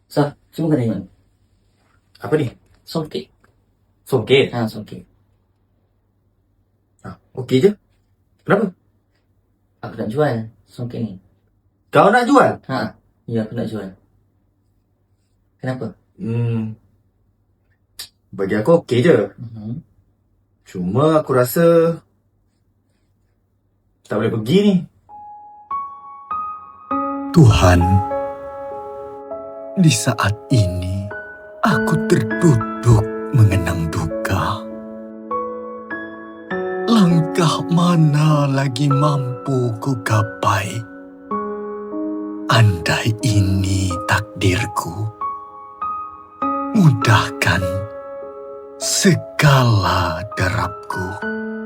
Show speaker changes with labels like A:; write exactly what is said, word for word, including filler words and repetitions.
A: Sah, cuba kau tengok.
B: Apa ni?
A: Songkit.
B: Songket?
A: Ha, songkit.
B: Ha, okey je. Kenapa?
A: Aku nak jual songkit ni.
B: Kau nak jual?
A: Ha, ya aku nak jual. Kenapa?
B: Hmm, bagi aku okey je.
A: Uh-huh.
B: Cuma aku rasa tak boleh pergi ni.
C: Tuhan, di saat ini aku terduduk mengenang duka. Langkah mana lagi mampu ku gapai? Andai ini takdirku, mudahkan segala derapku.